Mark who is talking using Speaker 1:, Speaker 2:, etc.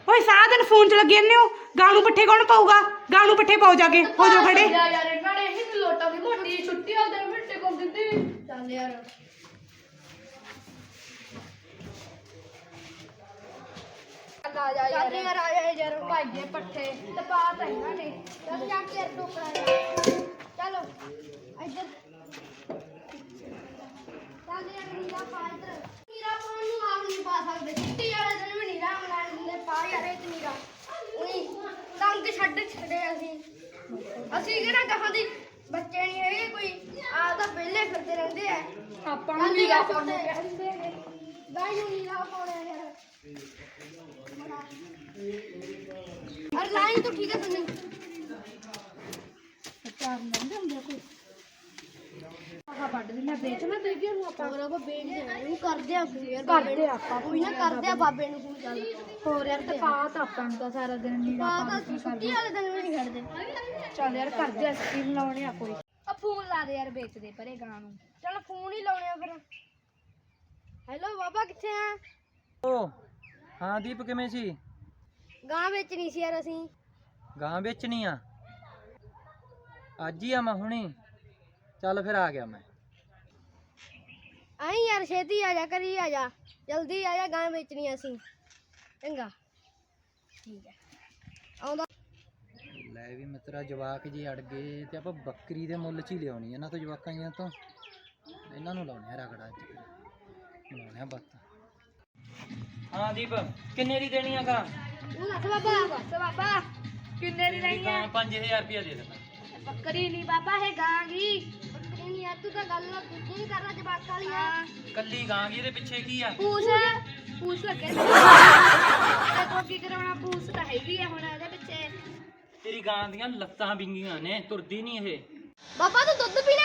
Speaker 1: ਓਏ ਸਾਰਾ ਦਿਨ ਫੋਨ 'ਚ ਲੱਗੇ ਰਹਿੰਦੇ ਹੋ। ਗਾਂ ਨੂੰ ਪੱਠੇ ਕੌਣ ਪਾਊਗਾ? ਗਾਂ ਨੂੰ ਪੱਠੇ ਪਾਓ ਜਾ ਕੇ। ਹੋ ਜਾਓ ਖੜੇ।
Speaker 2: ਯਾਰ ਇਹਨਾਂ ਨੇ ਇਹੀ ਲੋਟਾਂ ਦੀ ਮੋਟੀ ਛੁੱਟੀ ਆ ਦੇ ਮਿੱਟੇ ਕੋਲ ਦਿੱਤੀ। ਚੱਲ ਯਾਰ ਆ ਜਾ ਯਾਰ ਆ ਜਾ ਯਾਰ ਭਾਈਏ ਪੱਠੇ ਤੇ ਪਾਤ ਇਹਨਾਂ ਨੇ। ਚੱਲ ਜਾ ਕੇ ਟੋਕਰਾ ਚਲੋ ਇੱਧਰ ਚੱਲ ਯਾਰ ਨੀਰਾ ਪਾ ਇੱਧਰ। ਨੀਰਾ ਪਾਉਣ ਨੂੰ ਆਪ ਨਹੀਂ ਪਾ ਸਕਦੇ। ਛੁੱਟੀ ਵਾਲੇ ਦਿਨ ਵੀ ਨੀਰਾ ਬਣਾ ਦਿੰਦੇ। ਪਾ ਯਾਰ ਇਹ ਨੀਰਾ ਉਹੀ ਤੰਗ ਛੱਡੇ ਅਸੀਂ ਕਿਹੜਾ ਕਹਾਂ ਦੀ ਬੱਚੇ ਨਹੀਂ ਹੈਗੇ ਕੋਈ ਆ ਤਾਂ ਪਹਿਲੇ ਫਿਰਦੇ ਰਹਿੰਦੇ ਆ। ਆਪਾਂ ਨੂੰ ਨੀਰਾ ਪਾਉਣੇ ਕਹਿੰਦੇ ਨੇ ਗਾਈ ਨੂੰ ਨੀਰਾ ਪਾਉਣੇ ਯਾਰ। ਅਰ ਲਾਈਨ तो ठीक है सुनी चार नंबर हम देखो आहा पढ़ देना बेचना ते भी हम ਆਪਾਂ ਬਰਾਬਰ ਵੇਚ ਦੇਣਾ ਇਹਨੂੰ ਕਰਦੇ ਆ ਯਾਰ ਕਰਦੇ ਆਪਾਂ ਕੋਈ ਨਾ ਕਰਦੇ ਆ ਬਾਬੇ ਨੂੰ ਫੋਨ ਚੱਲ ਹੋਰ ਯਾਰ ਤੇ ਪਾਤ ਆਪਾਂ ਨੂੰ ਤਾਂ ਸਾਰਾ ਦਿਨ ਨਹੀਂ ਆਪਾਂ ਛੁੱਟੀ ਵਾਲੇ ਦਿਨ ਵੀ ਨਹੀਂ ਖੜਦੇ। ਚੱਲ ਯਾਰ ਕਰਦੇ ਆ ਸਕੀਮ ਲਾਉਣੇ ਆ ਕੋਈ ਆ ਫੋਨ ਲਾ ਦੇ ਯਾਰ ਵੇਚ ਦੇ ਪਰੇ ਗਾਂ ਨੂੰ। ਚੱਲ ਫੋਨ ਹੀ ਲਾਉਣੇ ਆ ਫਿਰ। ਹੈਲੋ ਬਾਬਾ ਕਿੱਥੇ ਆ?
Speaker 3: ਓ ਹਾਂ ਦੀਪ ਕਿਵੇਂ ਸੀ?
Speaker 2: ਗਾਂ ਵੇਚਣੀ ਸੀ ਯਾਰ ਅਸੀਂ।
Speaker 3: ਗਾਂ ਵੇਚਣੀ ਆ? ਅੱਜ ਹੀ ਆ ਮੈਂ ਹੁਣੀ। ਚੱਲ ਫਿਰ ਆ ਗਿਆ ਮੈਂ।
Speaker 2: ਆਈ ਯਾਰ ਛੇਤੀ ਆ ਜਾ ਕਰੀ ਆ ਜਾ ਜਲਦੀ ਆ ਜਾ ਗਾਂ ਵੇਚਣੀ ਆ ਅਸੀਂ। ਚੰਗਾ ਠੀਕ ਹੈ ਆਉਂਦਾ।
Speaker 3: ਲੈ ਵੀ ਮਿੱਤਰਾ ਜਵਾਕ ਜੀ ਅੜ ਗਏ ਤੇ ਆਪਾਂ ਬੱਕਰੀ ਦੇ ਮੁੱਲ 'ਚ ਹੀ ਲਿਆਉਣੀ ਇਹਨਾਂ ਤੋਂ ਜਵਾਕਾਂ ਜੀਆਂ ਤੋਂ। ਇਹਨਾਂ ਨੂੰ ਲਾਉਣੇ ਆ ਰਗੜਾ ਚ ਬਣਾਉਣੇ ਆ ਬੱਤ। ਹਾਂ ਦੀਪ ਕਿੰਨੇ ਦੀ ਦੇਣੀ ਆ ਗਾਂ?
Speaker 2: ਤੂੰ ਦੱਸ ਬਾਬਾ ਕਿੰਨੇ ਦੀ ਲੈਣੀ ਆ?
Speaker 3: 5000 ਰੁਪਇਆ ਦੇ ਦੇਣਾ।
Speaker 2: ਬੱਕਰੀ ਨਹੀਂ ਬਾਬਾ ਇਹ ਗਾਂ ਗੀ। ਬੱਕਰੀ ਨਹੀਂ ਯਾਰ ਤੂੰ ਤਾਂ ਗੱਲ ਨਹੀਂ ਕਰ ਰਿਹਾ ਜਵਾਕ ਵਾਲੀ ਆ।
Speaker 3: ਕੱਲੀ ਗਾਂ ਗੀ ਇਹਦੇ ਪਿੱਛੇ ਕੀ ਆ?
Speaker 2: ਪੂਛ ਲੱਗੇ ਤੇ ਕੋ ਕੀ ਕਰਾਉਣਾ? ਪੂਛ ਤਾਂ ਹੈਗੀ ਆ ਹੁਣ ਇਹਦੇ ਪਿੱਛੇ।
Speaker 3: ਤੇਰੀ ਗਾਂ ਦੀਆਂ ਲੱਤਾਂ ਵਿੰਗੀਆਂ ਨੇ ਤੁਰਦੀ ਨਹੀਂ ਇਹ।
Speaker 2: ਬਾਬਾ ਤੂੰ ਦੁੱਧ ਪੀਣਾ